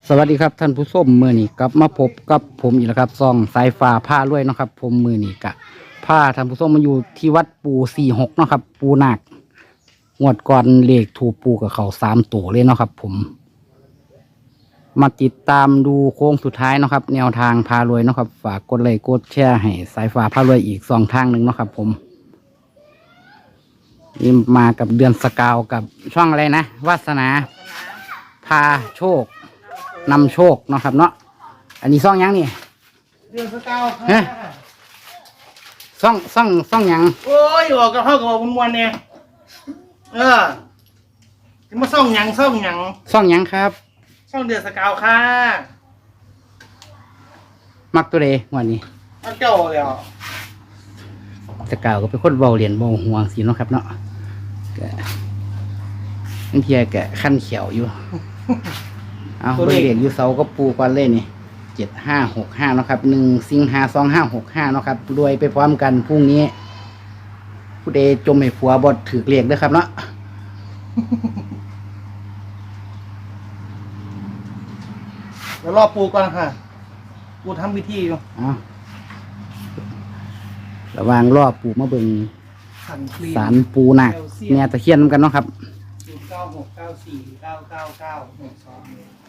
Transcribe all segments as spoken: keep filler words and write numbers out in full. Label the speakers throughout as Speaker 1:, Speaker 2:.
Speaker 1: สวัสดีครับท่านผู้ชมมือนี้กลับมาพบกับผมอีกแล้วครับซองสายฟ้าผ้าด้วยเนาะครับผมมือนี้กะผ้าท่านผู้ชมมาอยู่ที่วัดปูสี่หกเนาะครับปูนาคงวดก่อนเลขถูกปูกับเขาสามตัวเลยเนาะครับผมมาติดตามดูโค้งสุดท้ายเนาะครับแนวทางพารวยเนาะครับฝากกดไลค์กดแชร์ให้สายฟ้าพารวยอีกสองทางหนึ่งเนาะครับผมนี่มากับเดือนสกาวกับช่องอะไรนะวาสนาพาโชคนำโชคเนาะครับเนาะอันนี้ซ่องยังนี่
Speaker 2: เดือนสกาว
Speaker 1: ฮะซ่องซ่องซ่องยัง
Speaker 2: โอ้ยบอกกับเขากับบอกมวนๆเนี่ยเออจะมาซ่องหยังซ่องหยัง
Speaker 1: ซ่องยังครับ
Speaker 2: ซ่องเดือนสกาวค่ะ
Speaker 1: มักตัวเดวันนี้
Speaker 2: เอาเจ้าเดี๋ยว
Speaker 1: สกาวก็เป็นคนเบาเหรียญเบาห่วงสิเนาะครับเนาะแกบางทีแกขั้นเขียวอยู่ เอาเบอร์เด็กอยู่เสาก็ปูก่อนเลยนี่เจ็ดห้าหกห้าเนาะครับหนึ่งสิงหาสองห้าหกห้าเนาะครับรวยไปพร้อมกันพรุ่งนี้ ผู้ใดจมให้ผัวบดถือเรียกด้วยครับเนาะ
Speaker 2: เดี๋ยวรอปูก่อนค่ะปูทำพิธีอยู่
Speaker 1: เอาระหวางรอบปูมาเบิ่ง
Speaker 2: สันคลี
Speaker 1: สารปูหนักแม่ตะเคียนนำกันเนาะครับ
Speaker 2: ศูนย์เก้าหกเก้าสี่เก้าเก้าเก้าหนึ่งสอง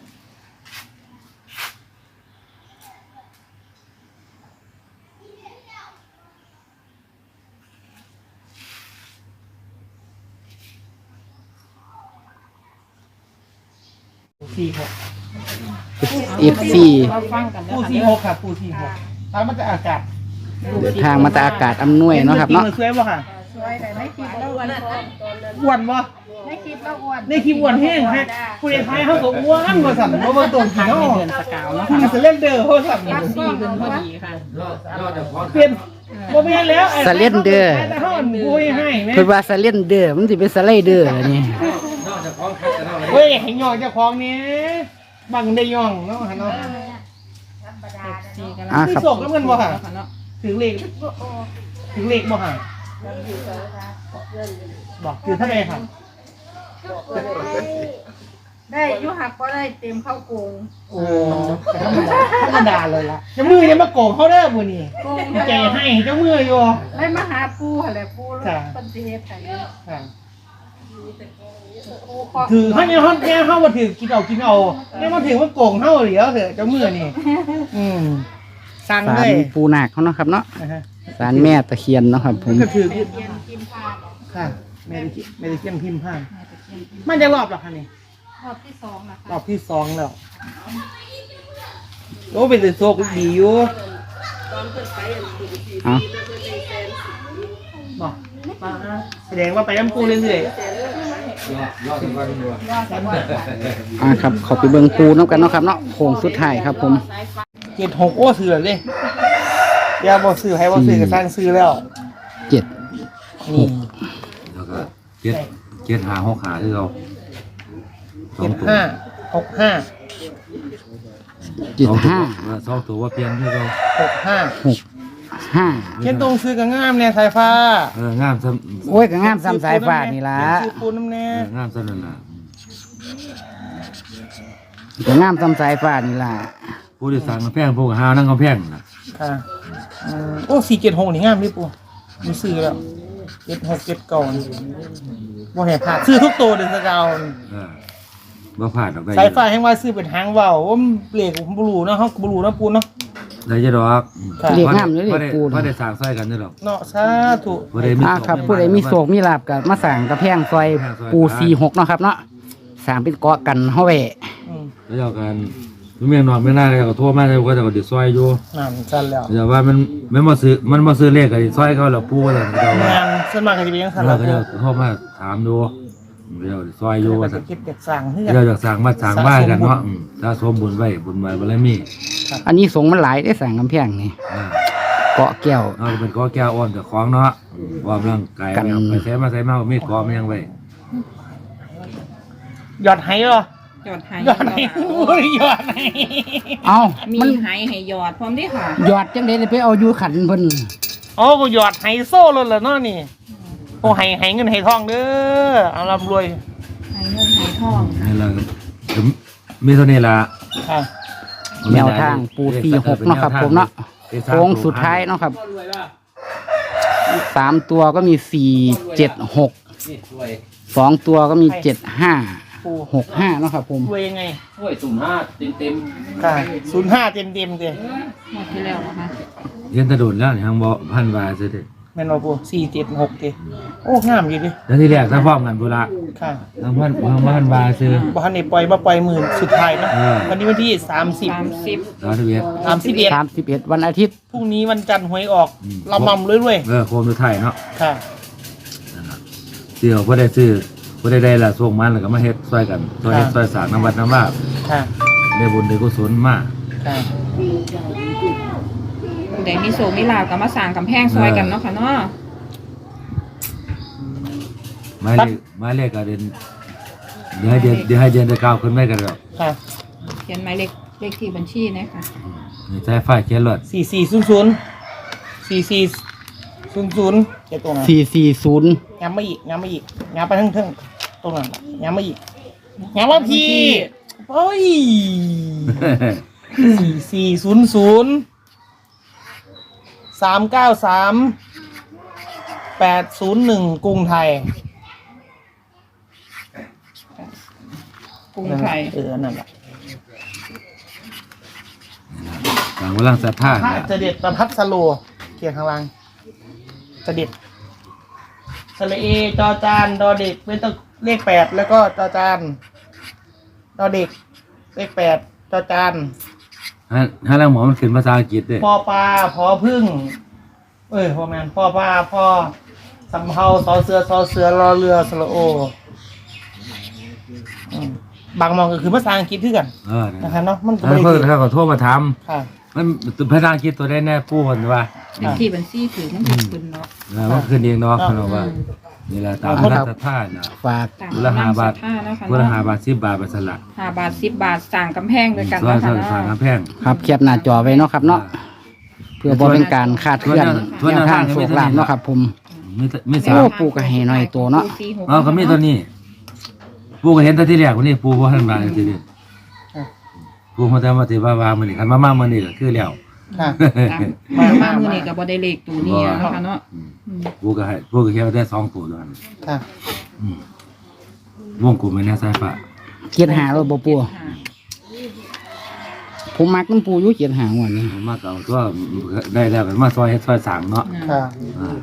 Speaker 2: สี่หก
Speaker 1: เอฟซี
Speaker 2: ปูสี่หกค่ะปูสี่หกตามมาจากอากาศ
Speaker 1: เดินทางมาตากอากาศอำนวยเนาะครับเนาะ
Speaker 2: สวยป่ะค่ะ
Speaker 3: สวยแต่ไม่คิดแล้วอ้วน
Speaker 2: อ้วนป่ะ
Speaker 3: ไม่คิดแล้วอ้วน
Speaker 2: ในคลิปอ้วนแห้งฮะผู้ใหญ่ไทยเขาก็อ้วนกว่าสั่นเพราะว่าตัวกี่น้อ
Speaker 3: เดือนสกาวแล้ว
Speaker 2: มันจะเล่นเด้อเขาสั่น
Speaker 3: รับสี่เดือนพอดีค่ะ
Speaker 2: เปลี่ยนโมเมนแล้ว
Speaker 1: สเลนเดอร์
Speaker 2: แต่เขาผู้ใหญ่ให้ไหม
Speaker 1: เพิ่นว่าสเลนเดอร์มันสิเป็นสไลเดอร์อันนี่
Speaker 2: เฮ้ยให้ย่องเจ้าของนี้บังได้ย่องเนาะฮะเนาะ
Speaker 3: สี่กัน
Speaker 1: อ่า
Speaker 2: ที่
Speaker 1: ครับ
Speaker 2: ส่งก็เงินบ่ค่ะถึงเลขถึงเลขบ่ค่ะบอกคือเท่าไหร่ค่ะ
Speaker 3: ได้ยุหักก็ได้เต็มเข้าโกง
Speaker 2: โอ้ธรรมดาเลยล่ะเจ้ามือยังมาโกงเขาเด้อบุนี่
Speaker 3: โกง
Speaker 2: ใจให้เจ้ามืออยู่
Speaker 3: ได้มาหาปูอะไรปูเป็นสิเฮ็ดไง
Speaker 2: ค่ะ
Speaker 3: ปูขอ
Speaker 2: ถือเขาเนี่ยเขาเนี่ยเขามาถือกินเอากินเอาเนี่ยมาถือว่าโกงเขาเหลียวเถอะเจ้ามือนี่อืมสั่ง
Speaker 1: สา
Speaker 2: เล
Speaker 1: ร
Speaker 2: ย
Speaker 1: ปูนาคเขาเนาะครับเนาะ
Speaker 2: นะฮะ
Speaker 1: สารแม่ตะเคียนเนาะครับผม
Speaker 2: ก็ถือ
Speaker 3: เรียนกินพา
Speaker 2: ค่ะไม่ได้คิดไม่ได้เคี่ยงพิมพ์ผ้ามันจะรอบหรอคะนี่
Speaker 3: รอบที่สองนะ
Speaker 2: รอ
Speaker 3: คะ
Speaker 2: บที่สองแล้วโอ้เป็นแต่โชคดีอยู่
Speaker 1: เอา
Speaker 2: บอกมาแสดงว่าไปน้ำปูเรื่อย
Speaker 1: อ่าครับขอไปเบิ่งปูน้ำกันเนาะครับเนาะโค้งสุดท้ายครับผม
Speaker 2: ๆเจ็ดหกโอ้ซื้อเลยอย่าบอกซื้อให้บอกซื้อก็สร้างซื้อแล้ว
Speaker 1: เจ็ด
Speaker 2: นี่
Speaker 4: แล้วก็เจ็ดเจ็ดหาหกหาที่เราสอ
Speaker 2: เจ็
Speaker 4: ง
Speaker 2: ด
Speaker 4: ตัว
Speaker 2: ห้าหกห้า
Speaker 1: เจ็ดห้า
Speaker 4: เออสองตัวว่าเปลี่ยนที่เรา
Speaker 2: หกห้า
Speaker 1: หกห้า
Speaker 2: เขียนตรงซื้อกับงามเนี่ยสายฟ้า
Speaker 4: เอองามซ้ำ
Speaker 1: โอ้ยก็งามซ้ำสายฟ้านี่ล่ะ
Speaker 2: ซื้อปูน้ำแน่
Speaker 4: เอองามซ้ำนั่นล่ะ
Speaker 1: ก็งามซ้ำสายฟ้านี่ล่ะ
Speaker 4: ผู้ที่สั่งกำแพงพวกหานั่งกำแพงน่ะ
Speaker 2: ค่ะอืมโอ้สี่เจ็ดหกนี่งามดิปูมีซื้อแล้วเจ็ดหกเจ็ดเก่าบ่เห็นผ่าดซื้อทุกตัวเดือนสกาว
Speaker 4: เออบ่พลาดดอกได้
Speaker 2: สายฟ้าแห่งว่าซื้อเป็นหางว่าวว่ามันเปลี่ยนผมบลูเนาะเขาบลูเนาะปูเนาะ
Speaker 4: ได้จะดอก
Speaker 2: ค่ะ
Speaker 1: เรียกงามอยู่
Speaker 4: บ่
Speaker 1: เรีย
Speaker 4: ได้
Speaker 1: กปู
Speaker 4: บ่ได้สั่งใส่กันนี่หรอก
Speaker 2: เนาะสาธุ
Speaker 4: บ่ได้มี
Speaker 1: อ่าครับผู้ใดมีโศกมีลาบกับมาสั่งกระแพงซอยปูสี่หกเนาะครับเนาะสั่งเป็นเกาะกันเฮาไว้
Speaker 2: อืม
Speaker 4: แล้วเจ้ากันเมียนอนไม่น่าเลยก็โทรมาแล้วก็จะก็ดิซอยอยู่
Speaker 2: นั่นจันแล้ว
Speaker 4: เดี๋ยวว่ามันมันบ่ซื้อมันบ่ซื้อเลขก็ดิซอยเขาแล้วปู่ว่าซั่นเจ้าว่า
Speaker 2: งานส่วนมากก็จะเป็นยังสัน
Speaker 4: แล้
Speaker 2: ละ
Speaker 4: วก็จะโทรมาถามดูเดี๋ยวซอยอยู่
Speaker 2: ก็
Speaker 4: ว่า
Speaker 2: จะ
Speaker 4: ซั่น
Speaker 2: เก็บเด็กสั่งเพื่อ
Speaker 4: เราอยากสั่งมาสั่งบ้านกันเนาะอืมถ้าสมบุญไว้บุญไว้บารมี
Speaker 1: อันนี้สงมันหลายได้สั่งกำแพงนี่
Speaker 4: อ่า
Speaker 1: เกาะแก้ว
Speaker 4: เอาเป็นก้อแก้วอ่อนกับของเนาะอืมว่าร่างกาย
Speaker 1: กัน
Speaker 4: เอาไปใช้มาใช้มาไม่กอไม่ยังไว้
Speaker 2: หยอดไห้เหรอ
Speaker 3: หยอดไห้
Speaker 2: หยอดไห้โอ้ยหยอดไห้
Speaker 1: เอ้า
Speaker 3: มี
Speaker 1: มัน
Speaker 3: ไห้ให้หยอดพร้อมด้วยค่ะ
Speaker 1: หยอดจังได๋ไปเอาอยู่ขันเพิ่น
Speaker 2: โอ้กูหยอดไห้โซ่เลยเหรอเนาะนี่โอ้ไห้ไห้เงินไห้ทองเด้อเอาร่ำรวย
Speaker 3: ไห้เงินไห้ทอง
Speaker 4: นี่แหละก็มีเท่านี้ละ
Speaker 2: คค่ะ
Speaker 1: แนวทางปูสี่หกเนาะครับผมเนาะโค้งสุดท้ายเนาะครับสามตัวก็มีสี่เจ็ดหกสองตัวก็มีเจ็ดห้าหกห้าเนาะครับผม
Speaker 2: รวยยังไง
Speaker 5: ช่วยสุ่มห้าเต็มเต็ม
Speaker 2: ค่ะศูนย์ห้าเต็มเต็มๆเลย
Speaker 3: หมดที่แล้วนะคะ
Speaker 4: เรียนตะโดนแล้วนี่ทางบ่พันบาทซะเด้
Speaker 2: แม่นว่าปูสี่เจ็ดหกเด้โอ้งามอยู่ดิ
Speaker 4: แล้วที่แรกถ้าพร้อมกันพุ่นละ
Speaker 2: ค่ะ
Speaker 4: ทางพันทางพันบาทซื้อ
Speaker 2: บ่ทันได้ปล่อยมาปล่อยหมื่นสุดท้ายเนาะ
Speaker 4: เออ
Speaker 2: วันนี้วันที่สามสิบ
Speaker 3: สามสิบ
Speaker 4: สามสิบเอ็ด
Speaker 2: สามสิบเอ็ด
Speaker 1: สามสิบเอ็ดวันอาทิตย์
Speaker 2: พรุ่งนี้วันจันทร์หวยออก
Speaker 4: อืม
Speaker 2: เรามั่มเรื่อย
Speaker 4: เออโคมสุดท้ายเนาะ
Speaker 2: ๆค่ะ
Speaker 4: เสี่ยวบ่ได้ซื้อบ่ได้ได้ละส่งมันแล้วก็มาเฮ็ดช่วยกันช่วยเฮ็ดช่วยสร้างน้ำวัดน้ำว่า
Speaker 2: ค่ะ
Speaker 4: ได้บุญได้กุศลมา
Speaker 2: ค่ะ
Speaker 3: เดี๋ยวมีโซมีลาวกับมาสร้างกำแพงซอยกันเนาะค่ะเนาะ
Speaker 4: หมายเลขหมายเลขก็เด่นเดี๋ยวให้เดือนเดี๋ยวให้เดือนตะเก้าขึ้นไว้กันแล้ว
Speaker 2: ค่ะ
Speaker 3: เขียนหมายเลขเลขที่บัญชีนะคะ
Speaker 4: นี่ใช้ไฟเขียนรถ
Speaker 2: สี่สี่ศูนย์ศูนย์สี่สี่ศูนย์ศูนย์เจ็ดตรงนั้น
Speaker 1: สี่สี่ศูนย์
Speaker 2: ย้ำมาอีกย้ำมาอีกย้ำไปทั้งทั้งตรงนั้นย้ำมาอีกย้ำมาพี่โอ้ยสี่สี่ศูนย์ศูนย์สามเก้าสามแปดศูนย์หนึ่งกรุงไทย
Speaker 3: กรุงไทย
Speaker 2: เออนั่นแหละ
Speaker 4: ต่างกำลังศรัทธา
Speaker 2: พระ
Speaker 4: น่ะ
Speaker 2: เสด็จประพัสโลเขียนข้างล่างเสด็จสระเอจอจานดอเด็กเป็นตัวเลขแปดแล้วก็จอจานดอเด็กเลขแปดจอจาน
Speaker 4: ฮะฮะแล้วหมอมันขึ้นภาษาอังกฤษเด้
Speaker 2: พอปลาพอพึ่ง เอ้ยพอแมนพอปลาพอสำเภาซอเสือซอเสือรอเรือสระโออืมบางมองก็คือภาษาอังกฤษที่กัน
Speaker 4: เออนั่น
Speaker 2: นะคะเนาะมันก็
Speaker 4: แล้ว
Speaker 2: ไม่
Speaker 4: เพิ่น
Speaker 2: ได้
Speaker 4: เขาก็โทรมาถาม
Speaker 2: ค่ะ
Speaker 4: มันภาษาอังกฤษตัวได้แน่ปู่เพิ่นว่า
Speaker 3: เลขที่บัญชีถือมันถูกขึ้นเนาะ
Speaker 4: เออมันขึ้นเองเนาะเพิ่นบอกว่านี่ล่ะตามกำลังศรัทธาน่ะ
Speaker 1: ฝาก
Speaker 3: ต่าง
Speaker 4: คนละห้าบาท
Speaker 3: ห้านะคะ
Speaker 4: คนละ
Speaker 3: เนาะ
Speaker 4: ห้าบาทสิบบาทไปสละ
Speaker 3: ห้าบาทสิบบาทสั่งกำแพงด้วยกัน
Speaker 4: ส่วน
Speaker 3: เนาะ
Speaker 4: ส่
Speaker 3: ค่ะ
Speaker 4: วนฝาก
Speaker 3: เนาะ
Speaker 4: กำแพง
Speaker 1: ครับแคปหน้าจอไว้เนาะครับเนาะเพื่อบ่เป็นการคาดเคลื่อน
Speaker 4: ส่วน
Speaker 1: แน
Speaker 4: แน
Speaker 1: ว
Speaker 4: ว
Speaker 1: ทา
Speaker 4: ทาง ง
Speaker 1: โชคลาภเนาะครับผม
Speaker 4: มีแต่มีสา
Speaker 1: โอ้
Speaker 4: ม
Speaker 1: ปูก็ให้หน่อยตัวเนาะ
Speaker 4: เอาก็มีตัวนี้ ปู่ก็เห็นแต่ที่แรกคนนี้ปู่บ่ทันมาทีนี้ปู่เขาแต่ว่าที่ว่าว่ามื้อนี้คันมามามื้อนี้ก็คือแล้ว
Speaker 2: ค่ะ
Speaker 3: มามามือนี้กับบอได้เลขตัวนี้อะเนาะค่ะเนาะอืม
Speaker 4: ปู่ก็ให้ปู่ก็แค่ได้สองตัวเท่านั้น
Speaker 2: ค่ะ
Speaker 4: อืมวงกลมไว้ในสายฟ้า
Speaker 1: เกียรหาเราบ่ปู
Speaker 3: ค่ะ
Speaker 1: ผมมักน้ำปูอยู่เกียรหาหัวนี้
Speaker 4: ผมมาเก่าตัวได้แล้วกันมาซอยเฮ็ดซอยสร้างเนาะ
Speaker 2: ค่ะ
Speaker 4: อ่า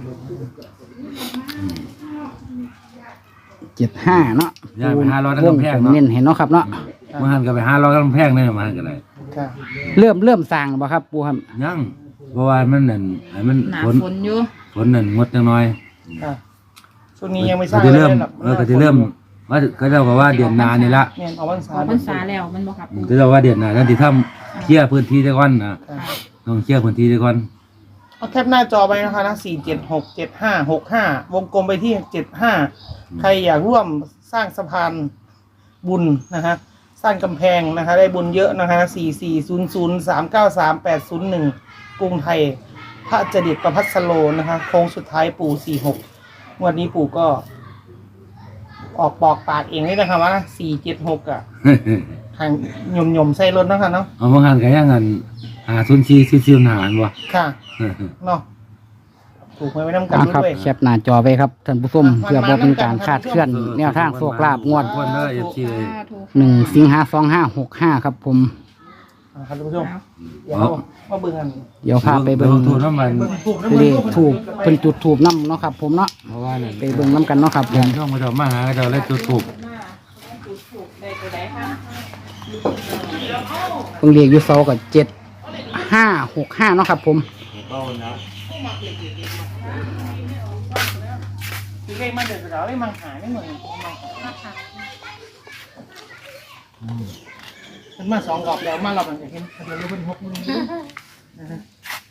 Speaker 1: เจ็ดห้าเนาะ
Speaker 4: ย้ายไปห้าร้อยทั้ง
Speaker 1: วง
Speaker 4: กำแพง
Speaker 1: ผม
Speaker 4: เนาะ
Speaker 1: เน้นให้เนาะครับเนาะ
Speaker 4: มาหันก็ไปห้าร้อยกำแพงนี่มาหันก็ได้
Speaker 2: ค่ะ
Speaker 1: เริ่มเริ่มสร้างบ่ครับปูครับ
Speaker 4: ยังเพราะว่ามันนั่นให้มัน
Speaker 3: หนา
Speaker 4: ฝน
Speaker 3: ฝนอยู่
Speaker 4: ฝนนั่นงดจังน้อย
Speaker 2: ค่ะช่วงนี้ยังไม่สร้าง
Speaker 4: ก็จะเริ่ม
Speaker 2: ลยหรอก
Speaker 4: เออก็จะเริ่มว่าก็เรียกว่าเดือนหนานี่ละ
Speaker 2: เนี่ยเอาวัน
Speaker 3: อ
Speaker 2: สา
Speaker 3: อก
Speaker 2: ม
Speaker 3: พรรษาแล้วมันบ่ครับ
Speaker 4: ก็เรียกว่าเดือนหนานั่นที่ทำเคลียร์พื้นที่ได้ก่อนนะ
Speaker 2: ค่ะ
Speaker 4: ต้องเคลียร์พื้นที่ได้ก่อน
Speaker 2: เอาแคปหน้าจอไปนะคะนะสี่เจ็ดหกเจ็ดห้าหกห้าวงกลมไปที่เจ็ดห้าใครอยากร่วมสร้างสะพานบุญนะฮะสร้างกำแพงนะคะ ได้บุญเยอะนะคะสี่สี่ศูนย์ศูนย์สามเก้าสามแปดศูนย์หนึ่งกรุงไทย พระจดิตประพัสโลนะคะโค้งสุดท้ายปู่สี่หกวันนี้ปู่ก็ ออกปอกปากเองนี่นะคะว่าสี่เจ็ดหกอ่ะทางหย่มหย่มๆใส่รถนะคะเนาะ
Speaker 4: เอาบางหันก็ยังงันหาซุนชีซิซิวหานบ่
Speaker 2: ค่ะเนาะถูกไหมไว้น้ำกัน
Speaker 1: เอาครับ
Speaker 2: ด้วย
Speaker 1: แคปหน้าจอไว้ครับท่านผู้ชมเพื่อบ่เป็นการคาดเคลื่อนแนวทางโชคลาภงวด
Speaker 4: วันเด้อ เอฟ ซี เลย
Speaker 3: สาธุ
Speaker 1: หนึ่งสิงหาสองห้าหกห้าครับผม
Speaker 2: นะครับท่านผู้ชม
Speaker 3: เอา
Speaker 2: เดี๋ยวมาเบิ่งกัน
Speaker 1: เดี๋ยวพาไปเบิ่ง
Speaker 4: โทษน้ำมัน
Speaker 2: เบิ่งถูกนะ
Speaker 1: เล
Speaker 2: เบิ่ง
Speaker 1: ข
Speaker 2: ถูก
Speaker 1: ถูกเป็นจุดถูกน้ำเนาะครับผมเนาะ
Speaker 4: เพราะว่านั่น
Speaker 1: ไปเบิ่งน้ำกันเนาะครับผ
Speaker 4: เดือ
Speaker 1: ม
Speaker 4: นช่องมาเจ้ามาหาเจ้าเลยจุดถูก
Speaker 3: ได้ตัวใดคะ
Speaker 1: เพิ่งเรียกอยู่เสากับเจ็ดห้าหกห้าเนาะครับผม
Speaker 2: คือเลขมาเดือดเราเลขมังหาไม่เหมือนมันมาสองรอบแล้วมารอบหลังจากเห็นทะเบียนรถเป็นหกหนึ่งนะฮะ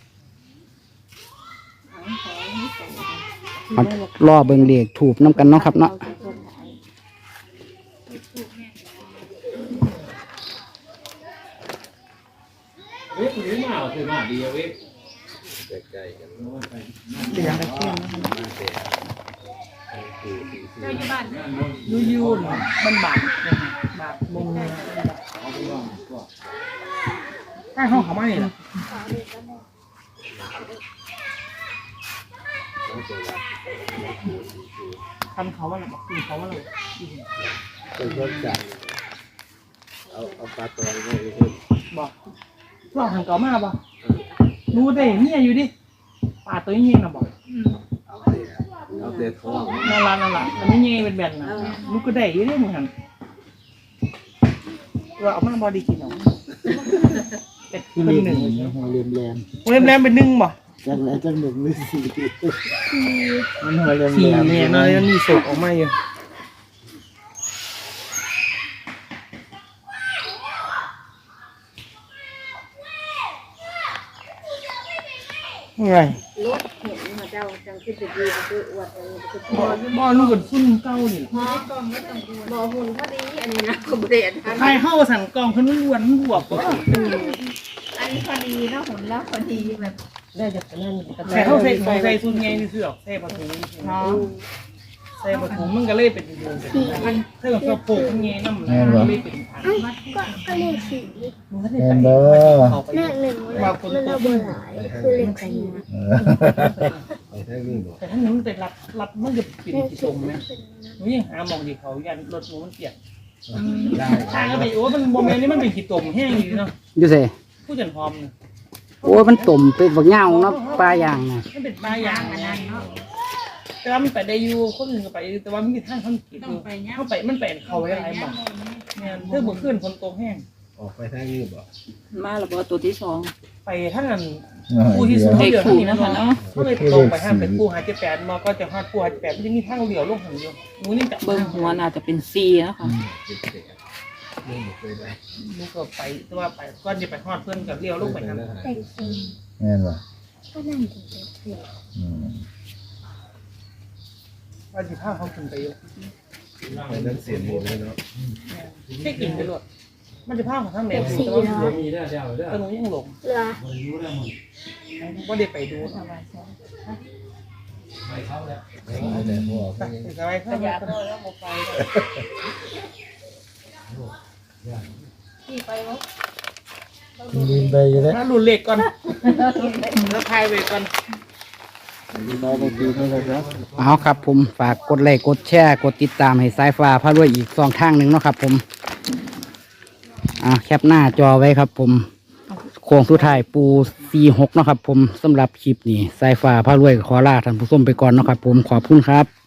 Speaker 1: มารอเบิ่งเลขถูกน้ำกันเนาะครับเนาะ
Speaker 5: เว้ยคุณมาเอาคือมาดีเว้ย
Speaker 3: เหลืองตะเคียนนะคะ
Speaker 2: ยูยูนมันบาดนะคะบาดมุงข้างห้องเขามาเนี่ยนะทำเขาว่าอะไรบอกกินเขาว่าอะไร
Speaker 6: เป็นรถจักรเอาเอาปลาตัวนี้
Speaker 2: บอกลองทำเก่ามากป่ะรู้ได้เนี่ยอยู่ดิปลาตัวนี้เงี้ยนะบอก
Speaker 6: เอาเตะเอาเตะท้อง
Speaker 2: นั่นละนั่นละมันไม่เงี้ยเป็นแบนนะลูกก็ได้อยู่ดิเหมือนกันว่าเอามาบอดีกินเอาเป็ดเป็นหนึ่ง
Speaker 6: หัวเรียมแรม
Speaker 2: เล่มแรมเป็นหนึ่งบ่
Speaker 6: จังไหนจังหนึ่งหรือสี่มันหัวเรียม
Speaker 2: สี่
Speaker 6: แรม
Speaker 2: เนี่ยนะแล้วมีโศกออกมาอยู่ไง
Speaker 3: รถเห็นมาเจ้าจังคือจะดีคืออวดอะไรคือ
Speaker 2: บ่บ่ลูกกับซุ่มเก้านี่
Speaker 3: ฮะบ่หุ่นพอดีอันนี้นะก็บ่ได้อัน
Speaker 2: ใครเข้าสั่งกองขึ้นล้วนบวบบ่
Speaker 3: อันนี้พอดีนะหุ่นแล้วพอดีแบบ
Speaker 2: ได้จากนั่นใครเข้าใส่ของใส่ซุ่มไงนี่คือออกใส่ปลาทูเนาะใส่ปลาทูมันก็เลยเป็นดูเป็นถ้าเกิดเขาโปกไงน้ำมันก็เลยเป็นพัน
Speaker 7: ก็ก็เลขสี่
Speaker 2: มันก็ได้ไปเขาไป
Speaker 7: เลขหนึ่งมันระเบิดหลายคือเลขสี่
Speaker 6: ไปทางนี้บ่
Speaker 2: แต่ถ้าหนูมันเป็นรับรับมันจะปิดกี่ตรงนะหนูยังหามองดีเขายันรถหนูมันเปียก
Speaker 6: ได้
Speaker 2: ทางก็ไปโอ้มันโมเมนต์นี้มันเป็นกี่ตมแห้งอยู่เนาะ
Speaker 1: อยู่เซ่
Speaker 2: ผู้จันพร้อมเนี่ย
Speaker 1: โอ้ยมันตุ่มเป็นบักเหงาเนาะปลาอย่างน่ะ
Speaker 2: มันเป็นปลายางอันนั้นเนาะแต่ว่ามันไปได้อยู่คนอื่นก็ไปแต่ว่ามันมีทางเขาขีดอยู่เข้าไปมันเป็นเขาไว้หลายหมองเนี่ยเพื่อบ่ขึ้นคนโตแห้ง
Speaker 6: ออกไปทางนี้บ่
Speaker 8: มาแล้วบ่ตัวที่สอง
Speaker 2: ไปท่านนั้นผู้ที่สูงเขาเดือดที่นะคะเนาะเขาเลยตรงไปห้ามเป็นผู้หาเจ็ดแปดมาก็จะหาผู้หาเจ็ดแปดมันจะมีทางเหลียวลงหันอยู่หนูนี่จับ
Speaker 8: เบิ่งหัวน่าจะเป็นซีนะคะ
Speaker 6: ไม่เคยได้
Speaker 2: หนูก็ไปแต่ว่าไปก็จะไปฮอดเพื่อนกับเลี้ยวลงไปนั่น
Speaker 7: เลขสี่
Speaker 6: แม่นบ่
Speaker 7: ก็นั่นถึงเลขสี่
Speaker 6: อืม
Speaker 2: ว่าสิพาเขาขึ้นไปอยู่
Speaker 6: ไปนั้นเสียนหมดเลยเนาะ
Speaker 2: แค่กินไปหลดมันจะพาเขาทางไหน
Speaker 7: เลขสี่
Speaker 2: แต่ว่า
Speaker 7: เนาะ
Speaker 5: มีได้เดียวเด้อ
Speaker 2: แต่หนูยังหลง
Speaker 7: เหลือ
Speaker 2: ว่าได้ไปดู
Speaker 5: ไปเข้าแล้ว
Speaker 6: ไปแต่พวก
Speaker 2: ไปสบายเข้าไป
Speaker 3: แล้วบ่ไปที่ไปวะ
Speaker 6: ดินไปอยู่แล้ว
Speaker 2: ถ้าหลุดเหล็กก่อนแล้วพายไปก่อน
Speaker 6: ดินไปไปกินไม่ได้ครับ
Speaker 1: เอาครับผมฝากกดไลค์กดแชร์กดติดตามให้สายฟ้าพารวยอีกสองทางหนึ่งเนาะครับผมอ่าแคปหน้าจอไว้ครับผมโค้งสุดท้ายปูสี่หกเนาะครับผมสำหรับคลิปนี้สายฟ้าพารวยขอลาท่านผู้ชมไปก่อนเนาะครับผมขอบคุณครับ